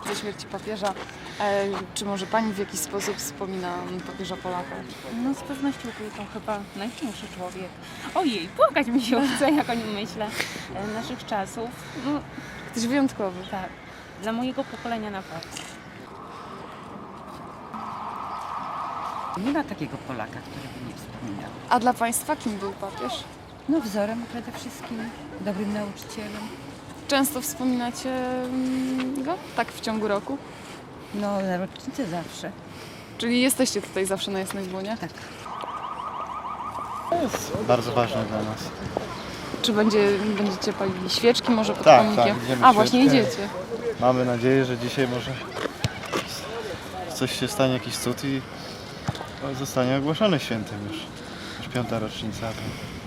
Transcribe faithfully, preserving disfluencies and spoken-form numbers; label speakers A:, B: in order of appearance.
A: rocznicę śmierci papieża. E, czy może Pani w jakiś sposób wspomina papieża Polaka?
B: No z pewnością był to chyba największy człowiek. Ojej, płakać mi się chce, jak o nim myślę. E, Naszych czasów, no
A: Ktoś wyjątkowy.
B: tak, dla mojego pokolenia na pewno.
C: Nie ma takiego Polaka, który by nie wspominał.
A: A dla Państwa kim był papież?
C: No wzorem przede wszystkim, dobrym nauczycielem.
A: Często wspominacie mm, go? Tak w ciągu roku?
C: No na rocznicę zawsze.
A: Czyli jesteście tutaj zawsze na Jasnej Dłonie?
C: Tak.
D: Bardzo ważne dla nas.
A: Czy będzie, będziecie palili świeczki może pod
D: Tak,
A: pomnikiem?
D: tak, idziemy
A: A, właśnie
D: świeczkę.
A: idziecie.
D: Mamy nadzieję, że dzisiaj może coś się stanie, jakiś cud i zostanie ogłoszony świętym już. Już piąta rocznica. To